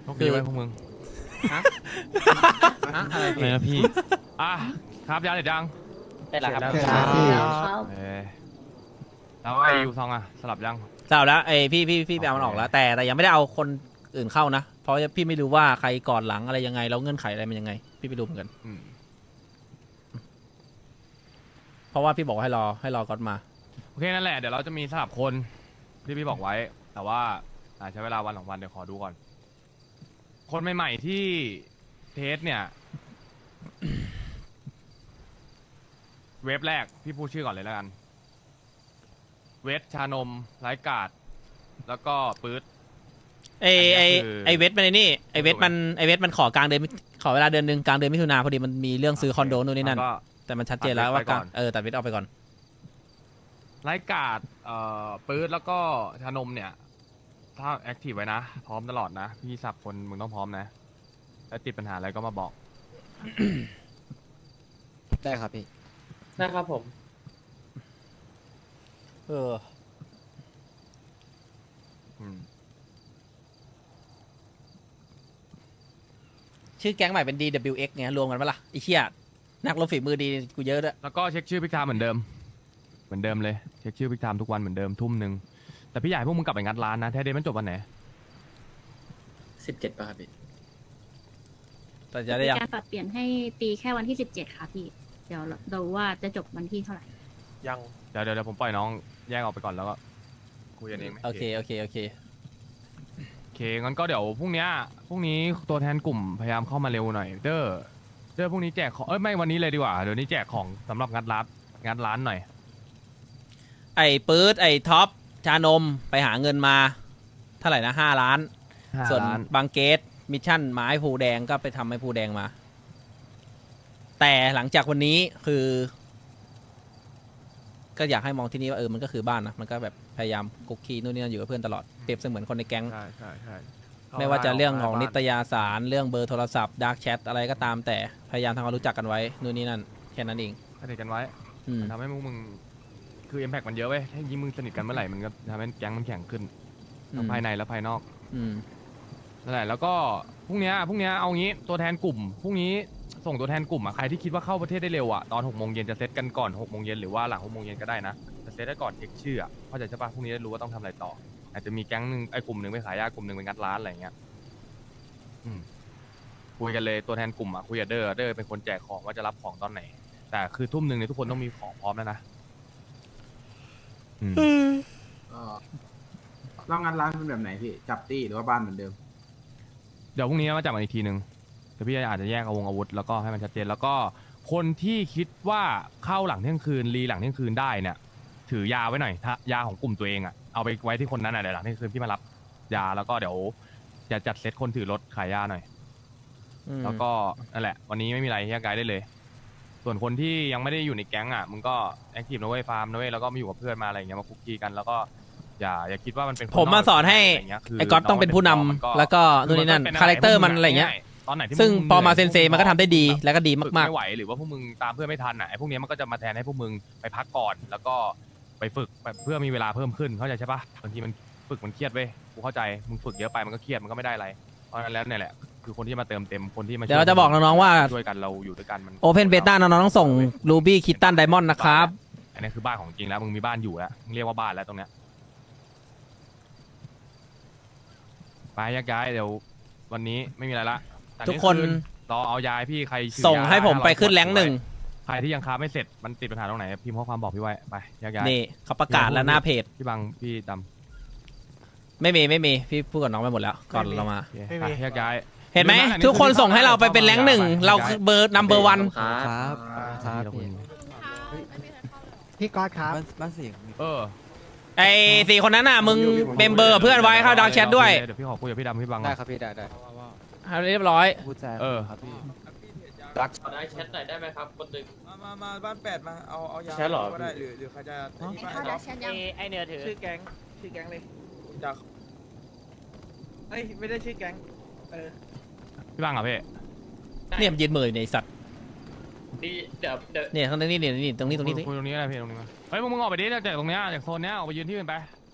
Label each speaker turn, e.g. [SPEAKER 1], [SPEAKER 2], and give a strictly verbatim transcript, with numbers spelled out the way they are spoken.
[SPEAKER 1] โอเคไว้พวกมึง
[SPEAKER 2] ฮะฮะอะไร
[SPEAKER 1] อะไรนะพี่อ่ะครับยาเด็ดยัง
[SPEAKER 3] ได้แล้วครับ
[SPEAKER 1] เสร็จแล้ว
[SPEAKER 4] ครับ
[SPEAKER 1] เออแล้วไอ้ยูซองอ่ะสลับยัง
[SPEAKER 2] เจ้าแล้วไอ้พี่พี่พี่ไปเอามันออกแล้ว แต่แต่ยังไม่ได้เอาคนอื่นเข้านะ เพราะพี่ไม่รู้ว่าใครก่อนหลังอะไรยังไงแล้วเงื่อนไขอะไรมันยังไง พี่ไม่รู้เหมือนกัน
[SPEAKER 1] อืม
[SPEAKER 2] เพราะว่าพี่บอกให้รอให้รอก่อนมา
[SPEAKER 1] โอเคนั่นแหละเดี๋ยวเราจะมีสลับคนที่พี่บอกไว้ แต่ว่าอาจใช้เวลาวันสองวันเดี๋ยวขอดูก่อน คนใหม่ๆที่เทสเนี่ย เว็บแรกพี่พูดชื่อก่อนเลยแล้วกัน เวทชานมไร้กาดแล้วก็ปื๊ด
[SPEAKER 2] ไอไอไอเวทมันไอนี่ไอเวทมันไอเวทมันขอกลางเดือนขอเวลาเดือนหนึ่งกลางเดือนมิถุนาพอดีมันมีเรื่องซื้อคอนโดนู่นนี่นั่น
[SPEAKER 1] แล้วก็
[SPEAKER 2] แต่มันชัดเจนแล้วว่า
[SPEAKER 1] ตัดเวทไปก่อน
[SPEAKER 2] เออตัดเวทออกไปก่อน
[SPEAKER 1] ไร้กาดเอ่อปื๊ดแล้วก็ชานมเนี่ย ถ้าแอคทีฟไว้นะ พร้อมตลอดนะ พี่สับคนมึงต้องพร้อมนะถ้าติดปัญหาอะไรก็มาบอก
[SPEAKER 3] ได้ครับพี่
[SPEAKER 4] ได้ครับผม
[SPEAKER 2] เออ
[SPEAKER 1] อืม
[SPEAKER 2] ชื่อแก๊งใหม่เป็น ดี ดับเบิลยู เอ็กซ์ ไงรวมกันปะล่ะไอ้เหี้ยนักรบฝีมือดีกูเยอะด้วย
[SPEAKER 1] แล้วก็เช็คชื่อพิกไทม์เหมือนเดิม เหมือนเดิมเลย เช็คชื่อพิกไทม์ทุกวันเหมือนเดิมทุ่มหนึ่งแต่พี่อยากให้พวกมึงกลับไปงัดร้านนะแท้เดย์มันจบวันไหน
[SPEAKER 3] สิบเจ็ดป่ะครับพี่
[SPEAKER 2] แต่จะได้ยัง
[SPEAKER 5] การปรับเปลี่ยนให้ตีแค่วันที่สิบเจ็ดค่ะพี่ เดี๋ยวเราว่าจะจบวันที่เท่าไหร่
[SPEAKER 4] ยัง
[SPEAKER 1] เดี๋ยวเดี๋ยวเดี๋ยวผมปล่อยน้องแยกออกไปก่อนแล้วก็คุยกันเองไหม
[SPEAKER 2] โอเคโอเคโอเค
[SPEAKER 1] โอเคงั้นก็เดี๋ยวพรุ่งเนี้ยพรุ่งนี้ตัวแทนกลุ่มพยายามเข้ามาเร็วหน่อยเด้อเด้อพรุ่งนี้แจกของเอ้ยไม่วันนี้เลยดีกว่าเดี๋ยวนี้แจกของสำหรับงัดร้านงัดร้านหน่อย
[SPEAKER 2] ไอ้ปื๊ดไอ้ท็อปชานมไปหาเงินมาเท่าไหร่นะห้าล้าน ส่วน
[SPEAKER 1] ห้าล้าน
[SPEAKER 2] บางเกตมิชชั่นไม้ภูแดงก็ไปทำให้ภูแดงมา แต่หลังจากวันนี้คือ ก็อยากให้มองที่นี่ว่าเออมันก็คือบ้านนะมันก็แบบพยายามกุกคีนู่นนี่นั่นอยู่กับเพื่อนตลอดเปรียบเสมือนคนในแก๊ง
[SPEAKER 1] ใช่ใช่ใช่
[SPEAKER 2] ไม่ว่าจะเรื่องของนิต
[SPEAKER 1] ย
[SPEAKER 2] ยสารเรื่องเบอร์โทรศัพท์ดาร์กแชทอะไรก็ตามแต่พยายามทำความรู้จักกันไว้นู่นนี่นั่นแค่นั้นเอง
[SPEAKER 1] สนิทกันไว้
[SPEAKER 2] อืม
[SPEAKER 1] ทำให้มึงมึงคือ impact มันเยอะเว้ยถ้ายิ่งมึงสนิทกันเมื่อไหร่มันก็ทำให้แก๊งมันแข็งขึ้นทั้งภายในและภายนอก
[SPEAKER 2] อืม
[SPEAKER 1] นั่นแหละแล้วก็พรุ่งเนี้ยพรุ่งเนี้ยเอางี้ตัวแทนกลุ่มพรุ่งนี้ส่งตัวแทนกลุ่มอ่ะใครที่คิดว่าเข้าประเทศได้เร็วอ่ะตอนหกโมงเย็นจะเซตกันก่อนหกโมงเย็นหรือว่าหลังหกโมงเย็นก็ได้นะจะเซตได้ก่อนเช็คชื่ออ่ะเข้าใจใช่ปะพรุ่งนี้ได้รู้ว่าต้องทำอะไรต่อ อาจจะมีแก๊งหนึ่งไอ้กลุ่มหนึ่งไปขายยากลุ่มหนึ่งไปงัดร้านอะไรอย่างเงี้ยอืมคุยกันเลยตัวแทนกลุ่มอ่ะคุยกับเดอร์เดอร์เป็นคนแจกของว่าจะรับของตอนไหน แต่คือทุ่มหนึ่งเนี่ยทุกคนต้องมีของพร้อมแล้วนะอืม
[SPEAKER 6] เรางานร้านเป็นแบบไหนพี่ จับตี้หรือว่าบ้านเหมือนเดิม
[SPEAKER 1] เดี๋ยวพรุ่งนี้มาจับกันอีกทีหนึ่งเดี๋ยวพี่อาจจะแยกเอาวงอาวุธแล้วก็ให้มันชัดเจนแล้วก็คนที่คิดว่าเข้าหลังเที่ยงคืนรีหลังเที่ยงคืนได้เนี่ย ถือยาไว้หน่อยถ้ายาของกลุ่มตัวเองอ่ะเอาไปไว้ที่คนนั้นอ่ะเดี๋ยวหลังเที่ยงคืนพี่มารับยาแล้วก็เดี๋ยวจะจัดเซตคนถือรถขายยาหน่อย
[SPEAKER 2] อืม
[SPEAKER 1] แล้วก็นั่นแหละ วันนี้ไม่มีอะไรแยกย้ายได้เลย ส่วนคนที่ยังไม่ได้อยู่ในแก๊งอ่ะมึงก็แอคทีฟนะเว้ยฟาร์มนะเว้ยแล้วก็มาอยู่กับเพื่อนมาอะไรอย่างเงี้ยมาคุกคีกันแล้วก็อย่าอย่าคิดว่ามันเป็นคน
[SPEAKER 2] ผมมาสอนให้
[SPEAKER 1] ะไรย่างเงี้ยคื
[SPEAKER 2] ไอ้ก๊อตต้องเป็นผู้นำ
[SPEAKER 1] มันก็
[SPEAKER 2] แล้วก็นู่นนี่นั่น
[SPEAKER 1] มัก็
[SPEAKER 2] คาแรคเตอร์มันอะไรเงี้ย
[SPEAKER 1] ตอนไหนที่
[SPEAKER 2] ซึ่ง
[SPEAKER 1] ง
[SPEAKER 2] พอมา
[SPEAKER 1] ห
[SPEAKER 2] เซ
[SPEAKER 1] นื่ย
[SPEAKER 2] นเซมันก็ทำได้ดีแล้วก็ดี
[SPEAKER 1] ฝึ
[SPEAKER 2] มาก
[SPEAKER 1] ไม่ไหวหรือว่าพวกมึงตามเพื่อนไม่ทันอ่ะไอ้พวกเนี้ยมันก็จะมาแทนให้พวกมึงไปพักก่อน แล้วก็ไปฝึกแบบเพื่อมีเวลาเพิ่มขึ้นเข้าใจใช่ปะบางทีมันฝึกมันเครียดเว้ยกูเข้าใจมึงฝึกเยอะไปมันก็เครียดมันก็ไม่ได้อะไรเพราะฉะนั้นแล้วเนี่ยแหละคือคนที่มาเติมเต็มคนที่มา
[SPEAKER 2] ๆ เดี๋ยวเราจะบอกน้องๆว่า
[SPEAKER 1] ช่วยกันเราอยู่ด้วยกันมัน
[SPEAKER 2] โอเพนเบต้าน้องๆต้องส่งรูบี้คิตตันไดมอนด์นะครับ
[SPEAKER 1] อันนี้คือบ้านของจริงแล้วมึงมีบ้านอยู่แล้วมึงเรียกว่าบ้านแล้วตรงเนี้ยไปแยกย้ายเดี๋ยววันนี้ไม่มีอะไรละแต่
[SPEAKER 2] ทุกคน
[SPEAKER 1] รอเอายายพี่ใครถือ
[SPEAKER 2] ส่ง
[SPEAKER 1] ยา
[SPEAKER 2] ให้ผมไปขึ้น
[SPEAKER 1] ห้าร้อย
[SPEAKER 2] แรงค์หนึ่ง
[SPEAKER 1] ใครที่ยังค้าไม่เสร็จมันติดปัญหาตรงไหนพิมพ์ข้อความบอกพี่ไว้ไปแยกย้าย
[SPEAKER 2] นี่เขาประกาศแล้วหน้าเพจ
[SPEAKER 1] พี่บังพี่ด
[SPEAKER 2] ไม่มีไม่มีพี่พูดกับน้องไปหมดแล้วก่อนเรามา
[SPEAKER 1] ำโอเคไปแยกย้าย
[SPEAKER 2] เห็นไหม
[SPEAKER 1] ดูนะอันนี้
[SPEAKER 2] ทุกคน
[SPEAKER 1] คือ
[SPEAKER 2] ส่งให้เราไปเป็นแรงค์หนึ่ง
[SPEAKER 1] ไป
[SPEAKER 2] เราคือเบอร์นัมเบอร์วัน
[SPEAKER 3] ครับ
[SPEAKER 1] ครับพี่
[SPEAKER 7] พี่ก๊อตครับ
[SPEAKER 3] บ้านบ้านเสียง
[SPEAKER 1] เออ
[SPEAKER 2] ไอ้สี่คนนั้นน่ะมึงเมมเบอร์เพื่อนไว้เข้าดังแชทด้วย
[SPEAKER 1] เดี๋ยวพี่ขอคุยกับพี่ดำพี่บัง
[SPEAKER 3] ได้ครับพี่ได้ได้
[SPEAKER 2] ให้เรียบร้อย
[SPEAKER 3] พูดแจ้ง
[SPEAKER 1] เออ
[SPEAKER 3] ครับพี่
[SPEAKER 4] ได้แชทหน่อยได้ไหมครับคนหนึ่ง
[SPEAKER 7] มามามาบ้านแปดมา เอา เอายา
[SPEAKER 4] ใช่เหรอ
[SPEAKER 7] ก็ได้หรือหรือใครจะ
[SPEAKER 5] เข้าดักแชทยัง
[SPEAKER 8] ไอเนื้อถือ
[SPEAKER 7] ชื่อแก๊ง ชื่อแก๊งเลยจะเอ้ย ไม่ได้ชื่อแก๊ง เออ
[SPEAKER 1] พี่บังเหรอพี่
[SPEAKER 2] เนี่ยมันยืนมืออยู่ในสัตว์
[SPEAKER 4] พี่เดี๋ยวเดี๋ยว
[SPEAKER 2] เนี่ยข้างนี้นี่นี่ตรงนี้ตรงนี้ตรงนี้
[SPEAKER 1] คุยตรงนี้อะไรพี่ตรงนี้มาเฮ้ยมึงมึงออกไปดิจากตรงเนี้ยจากโซนเนี้ยออกไปยืนที่อื่นไป